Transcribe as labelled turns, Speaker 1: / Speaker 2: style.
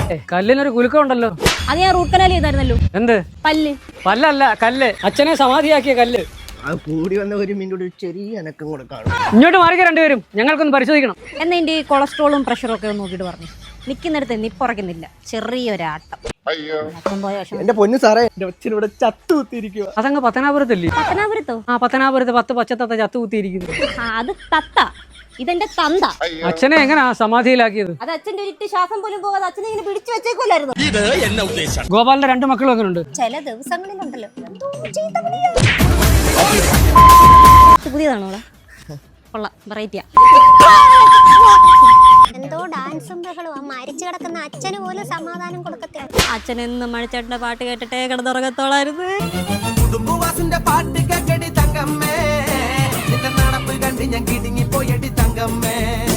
Speaker 1: കല്ലിനൊരു കുലുക്കം ഉണ്ടല്ലോ.
Speaker 2: അത് ഞാൻ റൂട്ട് കനാൽ ചെയ്തായിരുന്നല്ലോ.
Speaker 1: എന്ത്
Speaker 2: പല്ല്?
Speaker 1: പല്ലല്ല, കല്ല്. അച്ഛനെ സമാധിയാക്കിയ കല്ല്.
Speaker 3: അത് കൂടി വന്ന ഒരു മിനിറ്റ് ചെറിയ അനക്കം കൂടെ കാണും.
Speaker 1: ഇങ്ങോട്ട് മാറിക്ക രണ്ടുപേരും, ഞങ്ങൾക്കൊന്ന് പരിശോധിക്കണം.
Speaker 2: എന്നാ എന്റെ ഈ കൊളസ്ട്രോളും പ്രഷറും ഒക്കെ ഒന്ന് നോക്കിയിട്ട് പറഞ്ഞു. നിൽക്കുന്നിടത്ത് നിപ്പുറക്കുന്നില്ല, ചെറിയൊരാട്ടം.
Speaker 3: എന്റെ പൊന്നു സാറേ, എന്റെ അച്ഛൻ ഇവിടെ ചത്തു കുത്തിയിരിക്കുക.
Speaker 1: അതങ്ങ് പത്തനാപുരത്തല്ലേ?
Speaker 2: പത്തനാപുരത്തോ?
Speaker 1: ആ, പത്തനാപുരത്ത് 10 പച്ചത്തത്ത ചത്തു കുത്തിയിരിക്കുന്നു.
Speaker 2: അത് തത്ത, ഇതെന്റെ തന്ത.
Speaker 1: അച്ഛനെ എങ്ങനാ സമാധിയിലാക്കിയത്?
Speaker 2: അത് അച്ഛന്റെ ഒരിട്ട് ശ്വാസം പോലും പോകാതെ അച്ഛനെ ഇങ്ങനെ പിടിച്ചു വെച്ചേക്കുമല്ലായിരുന്നു.
Speaker 1: ഗോപാലിന്റെ 2 മക്കളും അങ്ങനെ ഉണ്ട്.
Speaker 2: ചില ദിവസങ്ങളിലുണ്ടല്ലോ പുതിയതാണോ? കൊള്ളാം, വെറൈറ്റിയാ.
Speaker 4: എന്തോ ഡാൻസും ബഹളവും മരിച്ചു കിടക്കുന്ന അച്ഛന് പോലും സമാധാനം കൊടുക്കത്തില്ല.
Speaker 2: അച്ഛനെന്നും മണിച്ചേട്ടന്റെ പാട്ട് കേട്ടിട്ടേ കിടന്നുറങ്ങത്തോളായിരുന്നു.
Speaker 5: പാട്ട് കേട്ടടി തങ്കമ്മേ, നടപ്പ് കണ്ട് ഞാൻ കിടുങ്ങി പോയടി തങ്കമ്മേ.